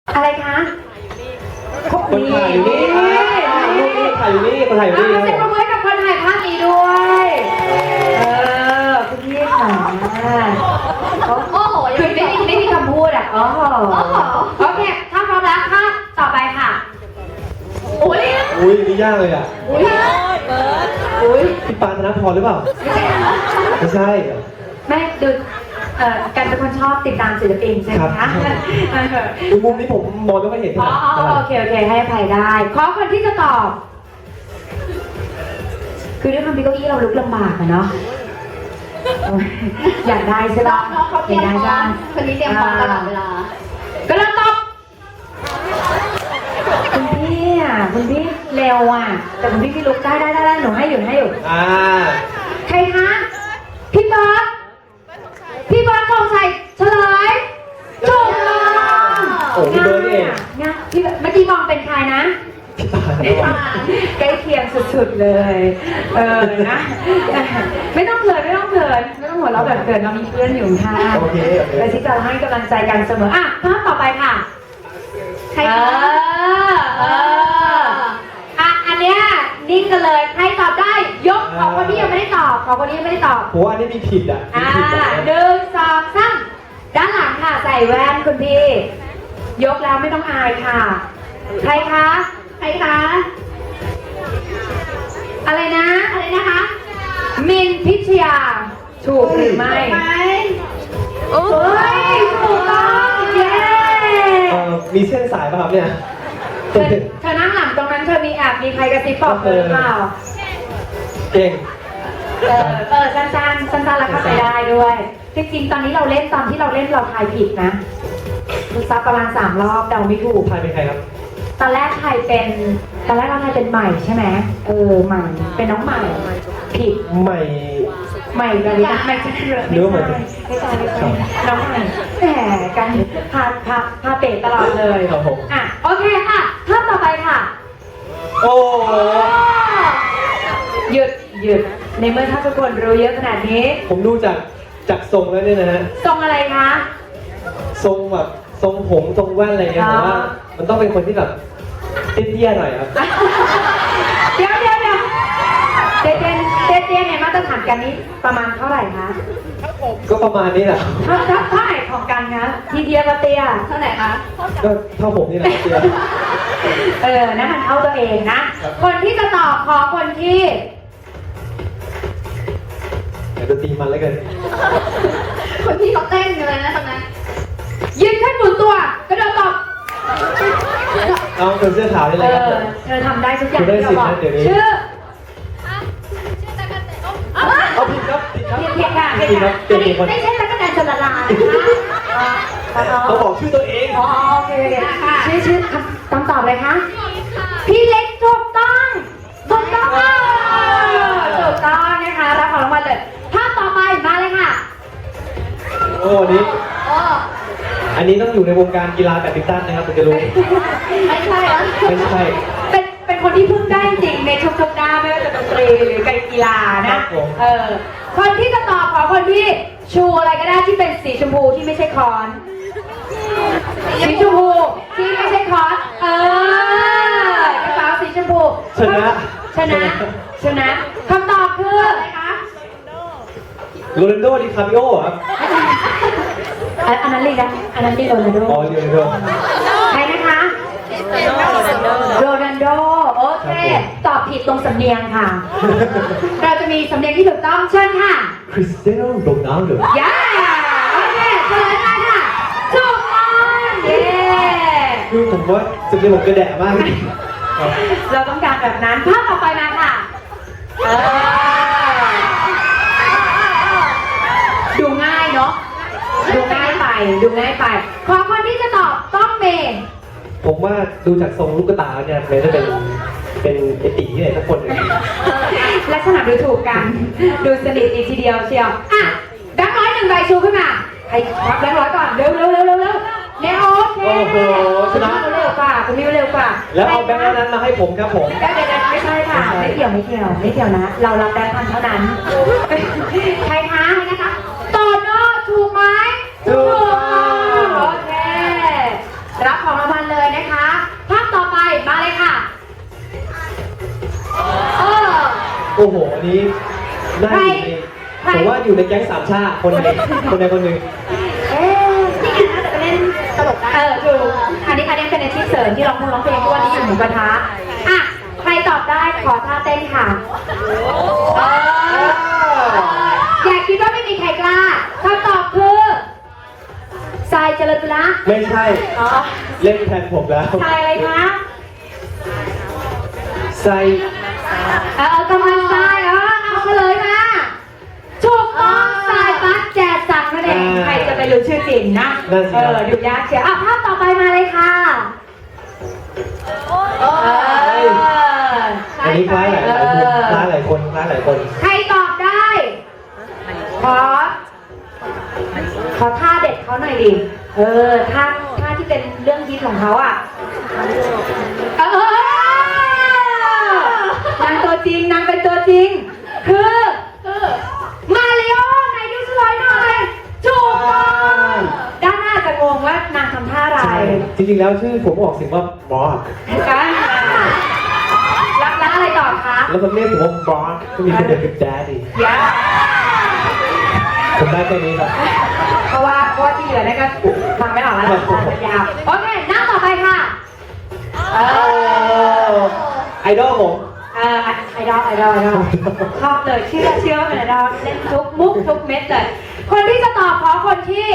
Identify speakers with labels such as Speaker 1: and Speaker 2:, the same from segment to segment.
Speaker 1: อะไรคะ
Speaker 2: คนถ่ายอยู่นี่รูปนี้ถ่ายอยู่นี่คนถ่ายอยู่นี่
Speaker 1: เซ็นประมือกับคนถ่ายภาพนี้ด้วยคุณพี่ค่ะโอ้โหคือไม่มีคำพูดอ่ะโอ้โหโอเคถ้าพร้อมแล้วค่ะต่อไปค่ะอุ้ย
Speaker 2: นี่ยากเลยอ่ะ
Speaker 1: อุ้ย
Speaker 2: พี่ปานธนพรหรือเปล่าไม่ใช่
Speaker 1: แม่ดูการเป็นคนชอบติดตามศิลปินใช่ไหมคะ
Speaker 2: ดูมุมนี้ผมมองไม่ค่อยเห็น
Speaker 1: อ๋อโอเคให้อภัยได้ขอคนที่จะตอบคือด้วยความที่เก้าอี้เราลุกลำบากอะเนาะอยากได้ใช่ปะ
Speaker 3: น้องเขาเตรียมพร้อมคนนี้เตรียมพร้อมตลอดเวลา
Speaker 1: ก็เริ่มตอบคุณพี่เร็วอ่ะแต่คุณพี่ลุกได้หนูให้อยู่ใครคะพี่บอสทองชัยเฉลยถูกต้อง
Speaker 2: โอ้พี่เบิร์ดเอง
Speaker 1: นะพี่เมื่อกี้มองเป็นใครนะ
Speaker 2: พี่ปาน
Speaker 1: ใกล้เคียงสุดๆเลยนะไม่ต้องเขินไม่ต้องหัวเราะแบบเขินเรามีเพื่อนอยู่ค่ะ
Speaker 2: โอเค
Speaker 1: แต่ที่จะให้กำลังใจกันเสมออ่ะภาพต่อไปค่ะใครอันเนี้ยนิ่งกันเลยใครตอบได้ยกของคนที่ยังไม่ได้ตอบของคนที่ยังไม่ได้ตอบ
Speaker 2: ผมว่าอันนี้มีผิดอ่ะ
Speaker 1: 1 2 3ด้านหลังค่ะใส่แว่นคุณพี่ยกแล้วไม่ต้องอายค่ะใครคะอะไรนะคะมินพิชยาถูกหรือไม่โอ้ยถูกต้องเย้
Speaker 2: มีเส้นสายป่ะครับเนี่ย
Speaker 1: เธอนั่งหลังตรงนั้นเธอมีแอบมีใครกระซิบบอกเธอหรือเปล่า
Speaker 2: เก่ง
Speaker 1: สั้นแล้วเข้าใจได้ด้วยจริงๆตอนที่เราเล่นเราทายผิดนะคือซับประมาณ3 รอบเดาไม่ถูก
Speaker 2: ทายเป็นใครครับ
Speaker 1: ตอนแรกเราทายเป็นใหม่ใช่ไหมใหม่เป็นน้องใหม่ผิด
Speaker 2: ใหม่
Speaker 1: ใหม่เลยนะไม่ใช่น้องใหม่แหมกันพาเตะตลอดเลย
Speaker 2: ครับผม
Speaker 1: อ่ะโอเคค่ะท่านต่อไปค่ะ
Speaker 2: โอ้โห
Speaker 1: หยุดในเมื่อถ้าทุกคนรู้เยอะขนาดนี้
Speaker 2: ผมดูจากทรงแล้วเนี่ยนะฮะ
Speaker 1: ทรงอะไรคะ
Speaker 2: ทรงแบบทรงผมทรงแว่นอะไรเงี้ยผมว่ามันต้องเป็นคนที่แบบเตี้ยๆหน่อยครับ
Speaker 1: เดี๋ยวเตี้ยในมาตรฐานกันนี้ประมาณเท่าไหร่คะ
Speaker 2: ก็ประมาณนี้แหละ
Speaker 1: เท่าไหร่ของกันคะทีเดียวกับเตี้ย
Speaker 3: เท่าไหร่คะ
Speaker 2: ก็เท่าผมนี่แหละเตี้ย
Speaker 1: นะมันเข้าตัวเองนะ คนที่จะตอบขอคนที่
Speaker 2: เดี๋ยวดนตรีมันแล้วกัน
Speaker 3: คนที่เขาเต้นกันเลยนะตอนนั้น
Speaker 1: ยืนขึ้นหมุนตัวกระโดดตอบ
Speaker 2: เอาเป็นเสื้อขาวนี่เลยครับ
Speaker 1: เธอทำได้ทุกอย่างที่เราบอกชื่อ
Speaker 2: เอาผิดครับผิดครับ
Speaker 1: เพียงค่ะ
Speaker 2: ผิดครับเปลี่ยนอีกคน
Speaker 1: ไม่ใช่ตั๊กแตนชลลานะคะ
Speaker 2: เขาบอกชื่อตัวเอง
Speaker 1: โอเคชื่อคำตอบเลยคะพี่เล็กถูกต้องนะคะรับของรางวัลเลยภาพต่อไปมาเลยค่ะ
Speaker 2: โอ้อันนี้ต้องอยู่ในวงการกีฬาแบดมินตันนะครับถึงจะรู้
Speaker 3: ไม่ใช่เหรอ
Speaker 2: ไม่ใช่
Speaker 1: เป็นคนที่พึ่งได้จริงในทุกๆด้านไม่ว่าจะดนตรีหรือการกีฬานะคนที่จะตอบขอคนที่ชูอะไรก็ได้ที่เป็นสีชมพูที่ไม่ใช่คอนสีชมพูที่ไม่ใช่คอนกระเป๋าสีชมพูชนะคำตอบคืออะไรคะ
Speaker 2: โรนัลโดดิคาปิโอครับ
Speaker 1: อันนั้นลีกนะอันนั้นลีกโรนัลโด
Speaker 2: อ๋อโรนัลโด
Speaker 1: ใครนะคะโรนัลโดโอเคตอบผิดตรงสำเนียงค่ะ เราจะมีสำเนียงที่ถูกต้องเชิญค่ะ
Speaker 2: คริสเตียโนโรนัลโด
Speaker 1: ย้าโอเคเฉลยมาค่ะถูกต้องเย้
Speaker 2: คือผมว่าสุดที่ผมกระแดะมาก
Speaker 1: เราต้องการแบบนั้นภาพต่อไปมาค่ะดูง่ายเนาะดูง่ายไปขอคนที่จะตอบต้องเมย์
Speaker 2: ผมว่าดูจากทรงลูกตาเนี่ยมันจะเป็นไอตีเนี่ยทุกคนเลย
Speaker 1: ลักษณะดูถูกกัน ดูสนิทดีทีเดียวเชียวอ่ะแบงค์ร้อย1 ใบชูขึ้นมาใครรับแบงค์ร้อยก่อนเร็วเนี่ยโอเค
Speaker 2: โอ้โหชนะ
Speaker 1: คุณเร็วกว่าคุณมิวเร็วกว่า
Speaker 2: แล้วเอาแบงค์นั้นมาให้ผมครับผม
Speaker 1: เดี๋ยวไม่ใช่ค่ะไม่เกี่ยวนะเรารับแบงค์พันเท่านั้นใครคะโตโน่ถูกไหม
Speaker 2: ถูก
Speaker 1: โอเครับของรางวัล
Speaker 2: โอ้โหอันนี้น่าอยู่ในผมว่าอยู่ในแก๊งสามชาติคนใดคนหนึ่ง
Speaker 1: เอ๊ะ
Speaker 3: นี่ไงนะแต่ไปเล่นตลกได้
Speaker 1: ถูกอันนี้เป็นอาชีพเสริมที่ร้องเพลงทุกวันนี้อยู่หมูกระทะอ่ะใครตอบได้ขอท่าเต้นค่ะอย่าคิดว่าไม่มีใครกล้าคำตอบคือทรายเจริญปุระ
Speaker 2: ไม่ใช่
Speaker 1: อ๋อ
Speaker 2: เล่นแทนผมแล้ว
Speaker 1: ทรายอะไรคะ
Speaker 2: ใส่
Speaker 1: กำลังทรายเอามาเลยมาถูกต้องทรายปักแจกสั่งนั่นเองใครจะไปรู้ชื่อจริงนะดูยากเชียวภาพต่อไปมาเลยค่ะ
Speaker 2: อันนี้คล้ายหลายคน
Speaker 1: ใครตอบได้ ขอท่าเด็ดเขาหน่อยดิท่าที่เป็นเรื่องฮิตของเขาอ่ะนางตัวจริงนางเป็นตัวจริงคือมาริโอไหนดูสไลด์หน่อยถูกต้องด้านหน้าจะงงว่านางทำท่าอะไร
Speaker 2: จริงๆแล้วชื่อผมออกเสียงว่าบอส
Speaker 1: กันแล้วอะไรต่อคะ
Speaker 2: แล้วมันเรียกผมว่าบอสก็มีคนเดียวคือแดดดี้
Speaker 1: ยา
Speaker 2: ผมได้แค่นี้ครับ
Speaker 1: เพราะว่าที่เหลือเนี่ยก็ฟังไม่ออกแล้วยาวโอเคหน้าต่อไปค่ะ
Speaker 2: ไอดอลผม
Speaker 1: ไอดอลชอบเลยเชื่อว่าเป็นไอดอลเล่นทุกมุกทุกเม็ดเลยคนที่จะตอบขอคนที่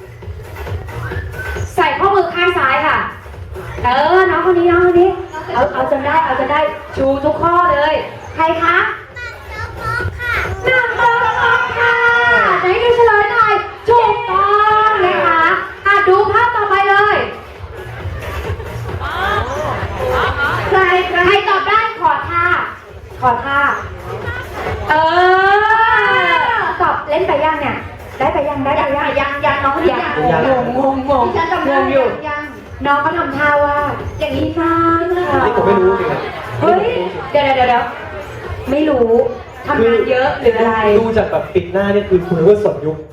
Speaker 1: ใส่ข้อมือข้างซ้ายค่ะน้องคนนี้เอาจนได้ชูทุกข้อเลยใครคะนางเบิร์ดค่ะไหนดูเฉลยหน่อยถูกต้องนะคะดูภาพต่อไปเลยใครตอบได้ขอท่าตอบเล่นไปยังเนี่ยได้ไปยังน้องงง
Speaker 3: ฉันจำได้
Speaker 1: อยู่
Speaker 3: ยัง
Speaker 1: น้องก็ทำท่าว่าอย่างนี้นะ
Speaker 2: นี่ผมไม่รู้จริงครับ
Speaker 1: เฮ้ยเดี๋ยวไม่รู้ทำงานเยอะหรืออะไร
Speaker 2: ดูจากแบบปิดหน้านี่คือคุณว่าสดยุค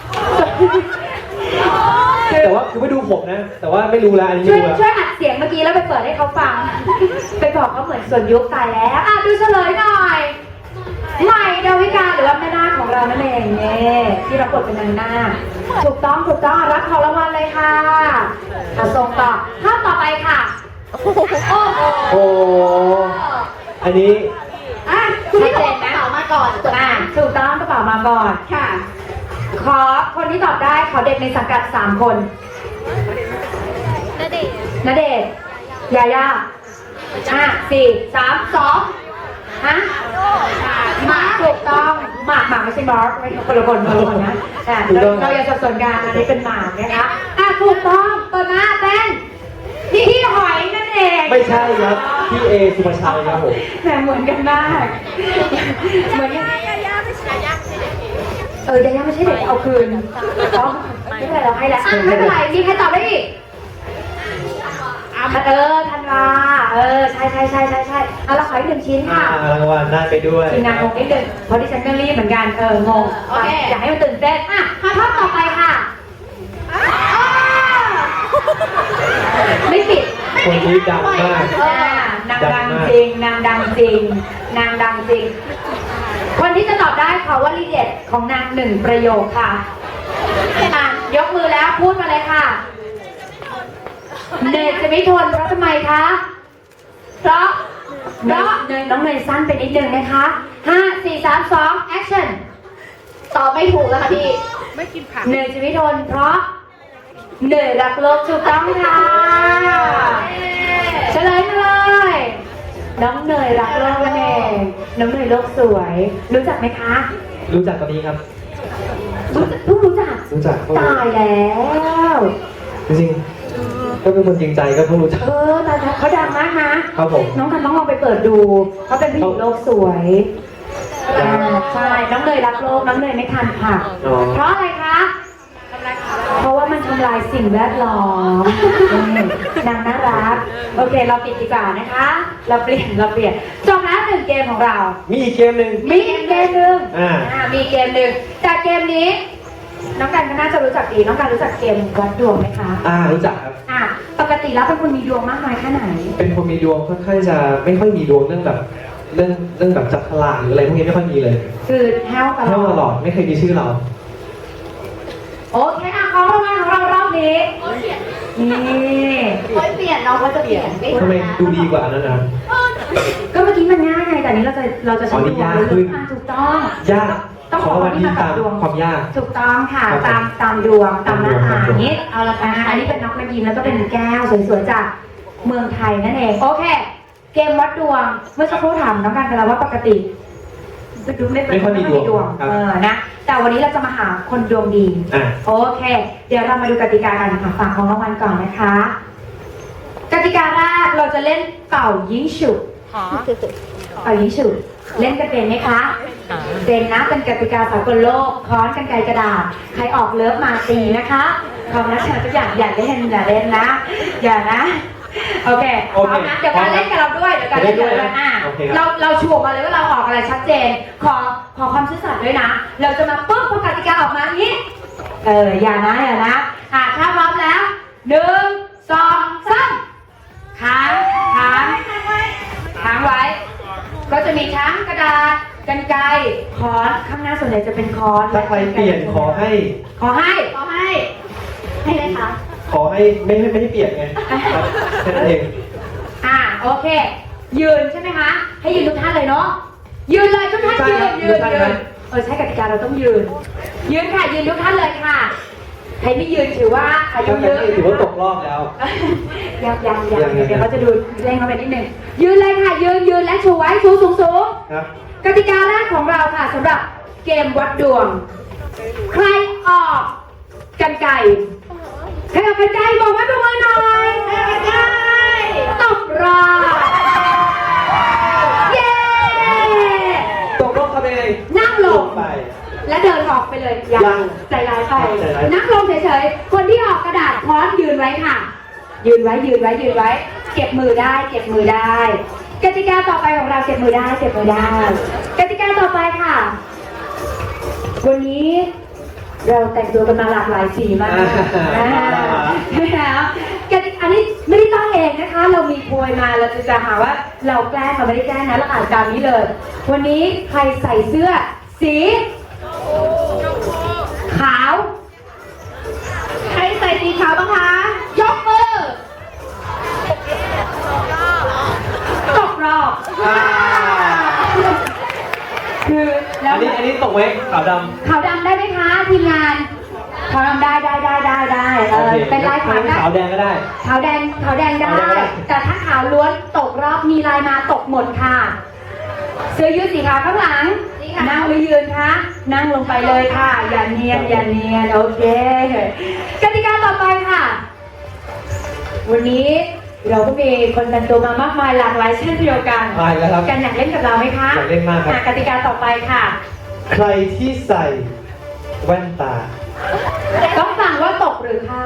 Speaker 2: แต่ว่าคือไม่ดูผมนะ แต่ว่าไม่รู้แล้วอันนี้
Speaker 1: ช่
Speaker 2: ไม่
Speaker 1: วย
Speaker 2: รู้แล้ว
Speaker 1: ช่วยอัดเสียงเมื่อกี้แล้วไปเปิดให้เขาฟัง ไปบอกเขาเหมือนส่วนยุคตายแล้วดูเฉลยหน่อยใหม่ดาวิกาหรือว่าแม่นาคของเรานั่นเองเนี่ยที่รับบทเป็นนางนาคถูกต้องรับของรางวัลเลยค่ะส่งต่อภาพต่อไปค่ะโอ้
Speaker 2: โอ้อันนี้
Speaker 3: คุณพี่บอกกระเป๋ามาก่อน
Speaker 1: ถูกต้องกระเป๋ามาก่อน
Speaker 3: ค่ะ
Speaker 1: ขอคนที่ตอบได้ขอเด็กในสังกัด3 คนณเดชน์ยาย่า4 3 2ฮะหมากถูกต้องหมากไม่ใช่บอสไม่ใช่คนละคนนะเราอย่าสับสนกันอันนี้เป็นหมากนะคะถูกต้องเปิดมาเป็นพี่หอยนั่นเอง
Speaker 2: ไม่ใช่ครับพี่เอสุภาชัยครับผม
Speaker 1: แต่เหมือนกันมากเหมือนกันยาย่าไม่ใช่เด็กเอาคืนไม่เป็นไรเราให้แล้วไม่เป็นไรมีใครตอบได้อีกธันวาใช่เราขออีก1 ชิ้นค่ะ
Speaker 2: รางวัลได้ไปด้วย
Speaker 1: ทีมงานงงนิดนึงเพราะดิฉันก็รีบเหมือนกันงงอยากให้มันตื่นเต้นภาพต่อไปค่ะไม่ปิด
Speaker 2: คนนี้ดังมาก
Speaker 1: นางดังจริง คนที่จะตอบได้ขอวลีเด็ดของนาง1 ประโยคค่ะยกมือแล้วพูดมาเลยค่ะเนยจะไม่ทนเพราะทำไมคะเพราะเนยน้องเนยสั้นไปนิดนึงนะคะ5 4 3 2 action
Speaker 3: ตอบไม่ถูกแล้วค่ะพี่
Speaker 1: เนยจะไม่ทนเพราะเนยรักโลกถูกต้องค่ะเฉลยมาเลยน้องเนยรักโลกนั่นเองน้องเนยโลกสวยรู้จักไหมคะ
Speaker 2: รู้จักตอนนี้ครับ
Speaker 1: เพิ่งรู้จัก ตายแล้ว
Speaker 2: จริงๆก็เป็นคนจริงใจก็เพิ่งรู้จัก
Speaker 1: แต่เขาดังมากนะครับ
Speaker 2: ผม
Speaker 1: น้องทันต้องลองไปเปิดดูเขาเป็นผู้หญิงโลกสวยใช่น้องเนยรักโลกน้องเนยไม่ทันค่ะเพราะอะไรคะเพราะว่ามันทำลายสิ่งแวดล้อมนางน่ารักโอเคเราปิดดีกว่านะคะเราเปลี่ยนจบแล้ว1 เกมของเรา
Speaker 2: มีอีกเกมหนึ่ง
Speaker 1: มีอีกเกมหนึ่ง มีเกมหนึ่งแต่เกมนี้น้องกันก็น่าจะรู้จักดีน้องกันรู้จักเกมวัดดวงไหมคะ
Speaker 2: รู้จักครับ
Speaker 1: ปกติแล้วเป็นคนมีดวงมากน้อยแค่ไหน
Speaker 2: เป็นคนมีดวงค่อนข้างจะไม่ค่อยมีดวงเรื่องแบบเรื่องแบบจับฉลากหรืออะไรพวกนี้ไม่ค่อยมีเลย
Speaker 1: คือแห้วตล
Speaker 2: เท่าตล
Speaker 1: อ
Speaker 2: อ
Speaker 1: ด
Speaker 2: ดไม่เคยมีชื่อเรา
Speaker 1: โอเคอ่ะของรางวัลของเรารอบนี้นี่
Speaker 3: ค่อยเปลี่ยนน้องก็จะเปลี่ยน
Speaker 2: ทำไมดูดีกว่าอันนั้นนะ
Speaker 1: ก็เมื่อกี้มันง่ายไงแต่อันนี้เราจะใช้
Speaker 2: อ๋อนี่ยากขึ้น
Speaker 1: อ่ะถูกต้อง
Speaker 2: ยาก
Speaker 1: ต้อง
Speaker 2: ขอวันที่ตามความยาก
Speaker 1: ถูกต้องค่ะ
Speaker 2: ครับ
Speaker 1: ตามดวงตามหน้าตา
Speaker 2: ตามดวง
Speaker 1: อย่างนี้เอาละค่ะอันนี้เป็นน้องมายิมแล้วก็เป็นแก้วสวยๆจากเมืองไทยนั่นเองโอเค เกมวัดดวงเมื่อสักครู่ถามน้องกันไปแล้วว่าปกติดูไม่
Speaker 2: ไม่ค่อยมีดวงครับ
Speaker 1: นะแต่วันนี้เราจะมาหาคนดวงดี
Speaker 2: อ่ะ
Speaker 1: โอเค เดี๋ยวเรามาดูกติกากันค่ะฝากของรางวัลก่อนนะคะ กติกาแรกเราจะเล่นเป่ายิงฉุบเป่ายิงฉุบเล่นกันเป็นไหมคะเป็นนะเป็นกติกาสากลโลกค้อนกันไกรกระดาษใครออกเลิฟมาตีนะคะความรักฉันทุกอย่างอย่าเล่นนะอย่านะโอเคพร้อมนะเดี๋ยวการเล่นกับเราด้วยเดี๋ยวการเล่นกับเราด้วยเราชูออกมาเลยว่าเราออกอะไรชัดเจนขอความซื่อสัตย์ด้วยนะเราจะมาปุ๊บพอกติกาออกมาอย่างนี้อย่านะถ้าพร้อมแล้ว1 2 3ค้างไว้ ก็จะมีทั้งกระดาษกรรไกรค้อนข้างหน้าส่วนใหญ่จะเป็นค้อน
Speaker 2: ถ้าใครเปลี่ยนขอให้
Speaker 3: ให้เลยค่ะ
Speaker 2: ขอให้ไม่ให้เปลี่ยนไงครับแค่นั้นเอง
Speaker 1: โอเค ยืนใช่ไหมคะ ให้ยืนทุกท่านเลยเนาะยืนเลยทุกท่านยืนใช้กติกาเราต้องยืนค่ะยืนทุกท่านเลยค่ะใครไม่ยืนถือว่าอายุเยอะ
Speaker 2: ถือว่าตกรอบแล้ว
Speaker 1: ยังเดี๋ยวเขาจะดูเร่งเข้าไปนิดนึงยืนเลยค่ะยืนและชูไว้ชูสูง
Speaker 2: ครับ
Speaker 1: กติกาแรกของเราค่ะสำหรับเกมวัดดวง ใครออกกันไก่ใครออกกันไก่บอกว่าดูมือหน่อยกันไก่ตกรอบเย้
Speaker 2: ตกรอบทำยังไง
Speaker 1: นั่งลง
Speaker 2: ไป
Speaker 1: และเดินออกไปเลยยังใจร้ายไปนั่งลงเฉยๆคนที่ออกกระดาษค้อนยืนไว้ค่ะ ยืนไว้เก็บมือได้กติกาต่อไปของเราเก็บมือได้กติกาต่อไปค่ะ วันนี้เราแต่งตัวกันมาหลากหลายสีมากแล้วกติกานี้ไม่ได้ตั้งเองนะคะ เรามีโพยมาเราจะหาว่าเราแกล้งเราไม่ได้แกล้งนะเราอ่านตามนี้เลย วันนี้ใครใส่เสื้อสีขาว
Speaker 3: ใครใส่สีขาวบ้างคะยกมือ
Speaker 1: ตกรอบคือแล้ว
Speaker 2: อันนี้ตกไว้ขาวด
Speaker 1: ขาวดำได้ไหมคะทีมงานขาวดำได้
Speaker 2: ำโอเค
Speaker 1: เป็นลายขาวได้
Speaker 2: ขาวแดงก็ได้
Speaker 1: ขาวแดงได้ แต่ถ้าขาวล้วนตกรอบมีลายมาตกหมดค่ะเสื้อยืดสีขาวข้างหลังนั่งหรือยืนคะนั่งลงไปเลยค่ะ อย่าเนียนโอเคกติกาต่อไปค่ะ วันนี้เราก็มีคนแต่งตัวมามากมายหลากหลายเช่นเดียวกัน
Speaker 2: ไปแล้วครับ
Speaker 1: กันอยากเล่นกับเราไหมคะ
Speaker 2: อยากเล่นมากครับ
Speaker 1: กติกาต่อไปค่ะ
Speaker 2: ใครที่ใส่แว่นตา
Speaker 1: ต้องฟังว่าตกหรือเข้า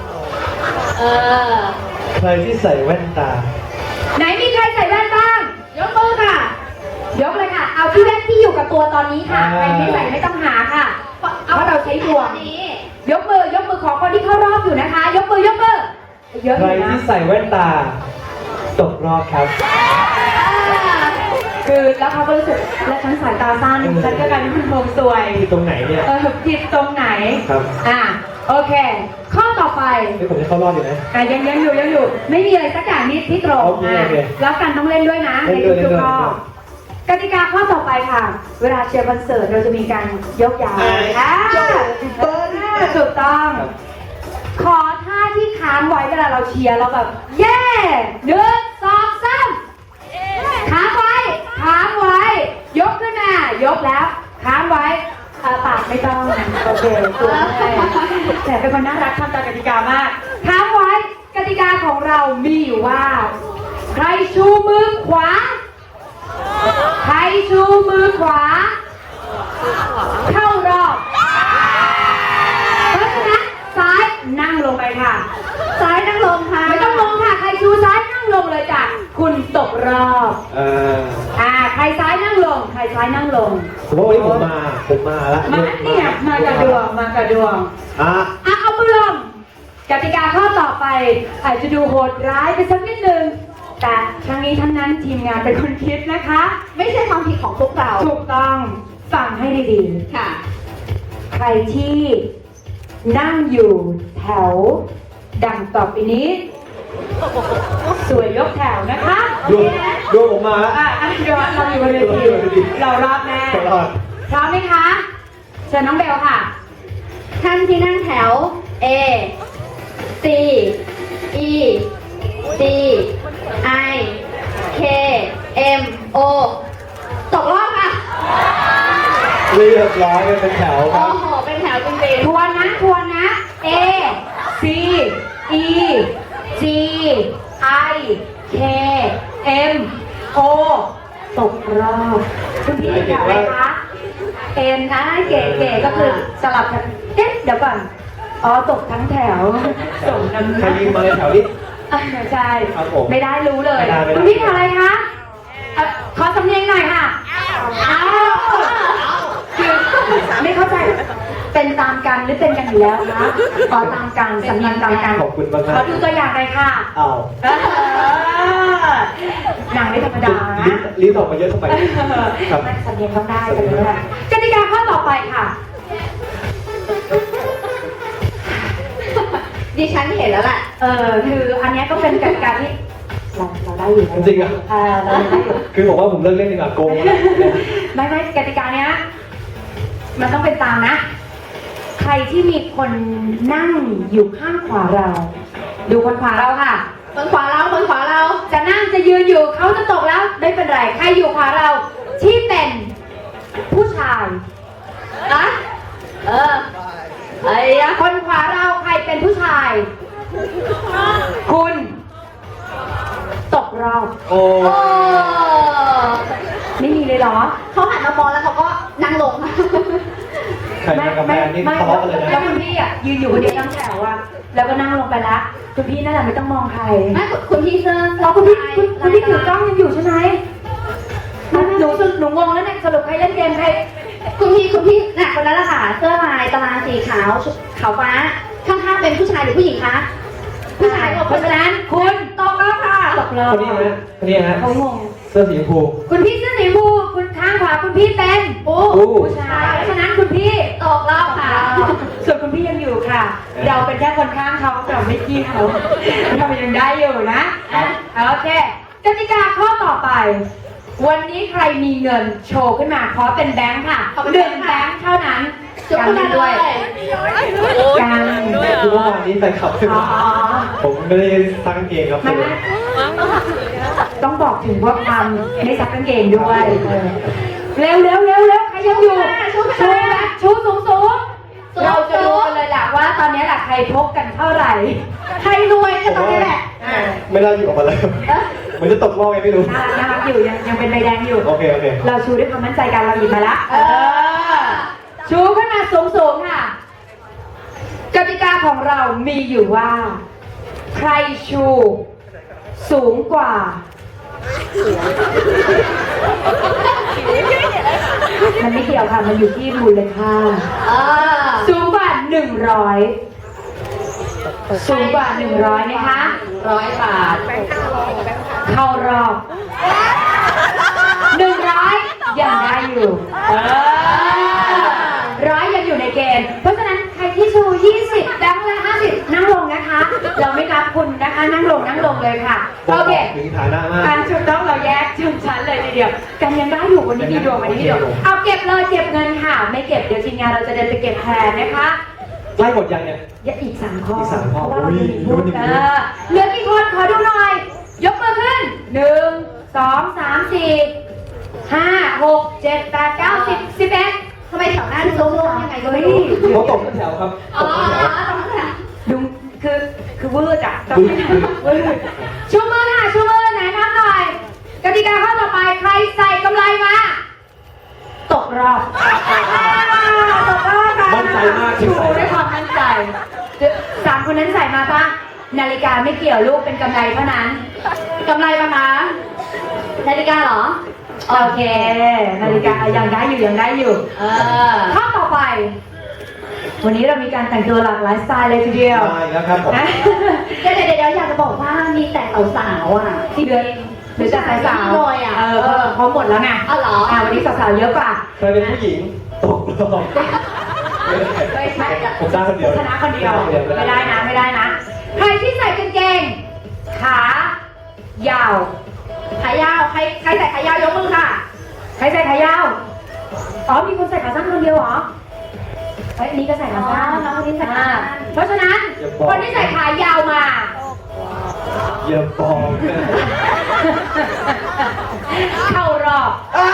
Speaker 2: ใครที่ใส่แว่นตา
Speaker 1: ไหนมีใครใส่แว่นบ้าง ยกมือค่ะ ยกเลยค่ะ เอาที่แว่นที่อยู่กับตัวตอนนี้ค่ะ ใครไม่ใส่ไม่ต้องหาค่ะ เพราะเราใช้ดวงยกมือของคนที่เข้ารอบอยู่นะคะ ยกมือเยอะ
Speaker 2: ใคร
Speaker 1: อยู่นะ
Speaker 2: ที่ใส่แว่นตา ตกรอบครับ
Speaker 1: คือแล้วเขาก็รู้สึกและฉันสายตาสั้นฉันก็กลายเป็นคนโมงสวย
Speaker 2: ที่ตรงไหนเนี่ย
Speaker 1: ผิดตรงไหน
Speaker 2: ครับ
Speaker 1: โอเค ข้อต่อไป
Speaker 2: นี่ผมจะเข้ารอบอยู่นะ
Speaker 1: ยังอยู่ไม่มีอะไรสักอย่างนี้ที่ตรง
Speaker 2: โอเค
Speaker 1: แล้วกันต้องเล่นด้วยนะ
Speaker 2: เล่
Speaker 1: ใน
Speaker 2: นด้วย
Speaker 1: ทุกๆข้อ
Speaker 2: เล่นด้วย
Speaker 1: กติกาข้อต่อไปค่ะ เวลาเชียร์คอนเสิร์ตเราจะมีการยกย้ายถูกต้อง ขอท่าที่ค้างไว้เวลาเราเชียร์เราแบบเย่1 2 3ค้างไว้ยกขึ้นมายกแล้วค้างไว้ปากไม่ต้องโอเคตัวแต่เป็นคนน่ารักทำตามกติกามากค้างไว้กติกาของเรามีอยู่ว่า ใครชูมือขวาเข้ารอบเพราะฉะนั้นซ้ายนั่งลงไปค่ะ
Speaker 3: ซ้ายนั่งลงค่ะ
Speaker 1: ไม่ต้องลงค่ะใครชูซ้ายนั่งลงเลยจ้ะคุณตกรอบ ใครซ้ายนั่งลง
Speaker 2: ผมว่าวันนี้ผมมาแล้ว
Speaker 1: มากับดวงเอามือลงกติกาข้อต่อไปอาจจะดูโหดร้ายไปสักนิดนึงแต่ทั้งนี้ทั้งนั้นทีมงานเป็นคนคิดนะคะ
Speaker 3: ไม่ใช่ความผิดของพวกเรา
Speaker 1: ถูกต้องฟังให้ดี
Speaker 3: ค่ะ
Speaker 1: ๆ ใครที่นั่งอยู่แถวดังต่อไปนี้ สวยยกแถวนะคะ
Speaker 2: ดูผมมาแล้ว
Speaker 1: เดี๋ยวเราอยู่บนเวทีเรารอบแน่
Speaker 2: ตลอด
Speaker 1: พร้อมไหมคะเชิญน้องเบลค่ะ
Speaker 3: ท่านที่นั่งแถว A C E D I K M O ตกรอบค่ะ
Speaker 2: เรียบร้อยกันเป็นแถวค
Speaker 3: โอ้
Speaker 2: รับ
Speaker 3: โห เป็นแถวจริง
Speaker 1: ทวนนะ A C E G I K M O ตกรอบคุณพี่แถวอะไรคะเอ็นนะเก๋ๆก็คือสลับกันเอ๊ะเดี๋ยวก่อนอ๋อตกทั้งแถวส่งน้ำ
Speaker 2: ใครยิงมาในแถวนี้
Speaker 1: ใช่
Speaker 2: ครับผม
Speaker 1: ไม่ได้รู้เลย
Speaker 2: ไม่ได้
Speaker 1: คุณพี่แถวอะไรคะขอสำเนียงหน่อยค่ะอ้าวคือไม่เข้าใจเป็นตามกันหรือเป็นกันอยู่แล้วคะขอตามกันสำเนียงตามกัน
Speaker 2: ขอบคุณมาก
Speaker 1: ขอดูตัวอย่างเลยค่ะ
Speaker 2: อ้าว
Speaker 1: หนังไม่ธรรมดานะ
Speaker 2: ลิ้นออกมาเยอะทำไมครับ
Speaker 1: ไม่สำเนียงต้องได้สำเนียงต้องได้กติกาข้อต่อไปค่ะ
Speaker 3: ๆ ดิฉันเห็นแล้วแหละ
Speaker 1: คืออันเนี้ยก็เป็นกติกาที่เราได้อยู่นะ
Speaker 2: จริงเหรอ
Speaker 1: เราได้อยู่
Speaker 2: คือผมว่าผมเลิกเล่นดีกว่าโกงแล้ว
Speaker 1: ไม่กติกาเนี้ยมันต้องเป็นตามนะ ใครที่มีคนนั่งอยู่ข้างขวาเรา ดูคนขวาเราค่ะ
Speaker 3: คนขวาเรา คนขวาเรา
Speaker 1: จะนั่งจะยืนอยู่เขาจะตกแล้วไม่เป็นไรใครอยู่ขวาเราที่เป็นผู้ชาย
Speaker 3: อะไอ้ยะ
Speaker 1: คนขวาเราใครเป็นผู้ชาย คุณตกรอบ
Speaker 2: โอ้
Speaker 3: โอ้
Speaker 1: ไม่มีเลยเหรอ
Speaker 3: เขาหันมามองแล้วเขาก็นั่งลง
Speaker 2: ใครมากับแฟนนี่ทะเลาะกันเลย
Speaker 1: แล้ว
Speaker 2: นะ
Speaker 1: คุณพี่อ่ะยืนอยู่คนเดียวทั้งแถวอ่ะแล้วก็นั่งลงไปละคุณพี่นั่นแหละไม่ต้องมองใคร
Speaker 3: ไม่คุณพี่เสื้อ
Speaker 1: เราคุณพี่ถือกล้องยังอยู่ใช่ไหมหนูงงแล้วเนี่ยสรุปใครเล่นเกมใคร
Speaker 3: คุณพี่น่ะคนนั้นแหละค่ะ เสื้อลายตารางสีขาวชุดขาวฟ้า ข้างๆเป็นผู้ชายหรือผู้หญิงคะ ผู้ชายกับ
Speaker 1: เพราะฉะนั้นคุณตกรอบค่ะตกรอบ
Speaker 2: คนนี้ฮะคนนี้ฮะ
Speaker 1: เขางง
Speaker 2: เสื้อสีชมพู
Speaker 1: คุณพี่เสื้อสีชมพูคุณข้างขวาคุณพี่เป็น
Speaker 3: โอ้
Speaker 1: ผู้ชายเพราะฉะนั้นคุณพี่
Speaker 3: ตกรอบค่ะ
Speaker 1: ส่วนคุณพี่ยังอยู่ค่ะ เราเป็นแค่คนข้างเขาเราไม่กี้เขาเรายังได้อยู่นะโอเคกติกาข้อต่อไป วันนี้ใครมีเงินโชว์ขึ้นมาขอเป็นแบงค์ค่ะ1 แบงค์เท่านั้น
Speaker 3: จุ๊บคุณนั้นด้วย
Speaker 1: กัน
Speaker 2: คือว่าวันนี้แฟนคลับขึ้น
Speaker 1: อ๋อ
Speaker 2: มาผมไม่ได้ตั้งเกงครับ
Speaker 1: ไม่ต้องบอกถึงว่าความไม่ซักกางเกงด้วยเร็วใครยังอยู่ชูสูงเราจะรู้กันเลยแหละว่าตอนนี้แหละใครพกกันเท่าไหร่
Speaker 3: ใครรวยก็ตรงนี้แหละ
Speaker 2: ไม่ได้อยู่ออกมาเลยเหมือนจะตกรอบไงไม่รู้
Speaker 1: น่ารักอยู่ยังเป็นใบแดงอยู่
Speaker 2: โอเค
Speaker 1: เราชูด้วยความมั่นใจกันเราหยิบมาละชูขึ้นมาสูงค่ะกติกาของเรามีอยู่ว่า ใครชูสูงกว่า มันไม่เกี่ยวค่ะ มันอยู่ที่มูลค่าสูงกว่า100สูงกว่า100ไหมคะ
Speaker 3: 100 บาท
Speaker 1: เข้ารอบ100ยังได้อยู่100ยังอยู่ในเกณฑ์เพราะฉะนั้นใครที่ชู20แบงค์ละ50นั่งลงนะคะ เราไม่รับคุณนะคะนั่งลงเลยค่ะโอเค
Speaker 2: ถึงฐานะมาก
Speaker 1: การชุดต้องเราแยกชนชั้นเลยทีเดียวกันยังได้อยู่วันนี้มีดวงวันนี้มีดวงเอาเก็บเลยเก็บเงินค่ะ ไม่เก็บเดี๋ยวทีมงานเราจะเดินไปเก็บแทนนะคะ
Speaker 2: ไล่หมดยังเนี่ย
Speaker 1: อย่าอีก3 ข้อ
Speaker 2: อีก3ข้อ
Speaker 1: เพราะว่าเรามีพูด
Speaker 2: อุ้ย
Speaker 1: เหลือกี่คนขอดูหน่อย ยกมือขึ้น1 2 3 4 5 6 7 8 9 10 11
Speaker 3: ทำไมแถวหน้าดูโล่งๆยังไงก็ไม่รู้
Speaker 2: เขาตกกันแถวครับ
Speaker 3: อ๋อ
Speaker 2: ตกกันแถว
Speaker 3: ตรงนั้นแหละ
Speaker 1: ดูคือวืดอ่ะต้องให้วืดชูมือค่ะชูมือไหนนับหน่อยกติกาข้อต่อไปใครใส่กำไรมาตกรอบตกรอบค่ะ
Speaker 2: มั่นใจมาก
Speaker 1: ชูด้วยความมั่นใจ3 คนนั้นใส่มาปะนาฬิกาไม่เกี่ยวลูกเป็นกำไรเท่านั้น
Speaker 3: กำไรปะคะนาฬิกาเหรอ
Speaker 1: โอเค นาฬิกายังได้อยู่
Speaker 3: เออ
Speaker 1: ข้อต่อไปวันนี้เรามีการแต่งตัวหลากหลายสไตล์เลยทีเดียว
Speaker 2: มาอีกแล้วครับผม
Speaker 1: นะ
Speaker 3: เดี๋ยวอยากจะบอกว่ามีแต่สาวๆอ่ะ
Speaker 1: ที่เดือนหรือจะสาวๆ
Speaker 3: เลยอ่ะ
Speaker 1: เขาหมดแล้วไง
Speaker 3: อ๋อเหรอ
Speaker 1: วันนี้สาวๆเยอะกว่า
Speaker 2: เคยเป็นผู้หญิงตกรอบ
Speaker 3: ไม่ใช่อะ
Speaker 2: ผมได้คนเดียว
Speaker 1: ชนะคนเดียวไม่ได้นะไม่ได้นะใครที่ใส่กางเกงขายาว
Speaker 3: ขายาวใครใส่ขายาวยกมือค่ะ
Speaker 1: ใครใส่ขายาวอ๋อมีคนใส่ขาสั้นคนเดียวเหรอเฮ้ยนี่ก็ใส่ขาสั้น
Speaker 3: อ๋อน้องคนนี้ใส่ขาสั้น
Speaker 1: เพราะฉะนั้นคนที่ใส่ขายาวมา
Speaker 2: อย่าบอก
Speaker 1: เข้ารอบ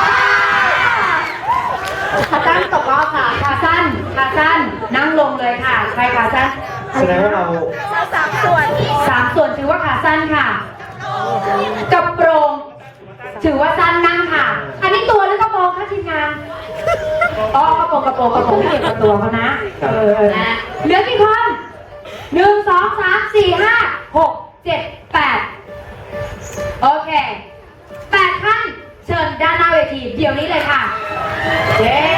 Speaker 3: ขาตั้งตกรอบค่ะ
Speaker 1: ขาสั้นนั่งลงเลยค่ะใครขาสั้น
Speaker 2: แสดงว่าเรา
Speaker 1: 3 ส่วนถือว่าขาสั้นค่ะกระโปรงถือว่าสั้นนั่งค่ะ อันนี้ตัวหรือกระโปรงคะทีมงานอ๋อกระโปรงไม่เกี่ยวกับตัวเขานะเหลือกี่คน1 2 3 4 5 6 7 8โอเค8ท่านเชิญด้านหน้าเวทีเดี๋ยวนี้เลยค่ะเย้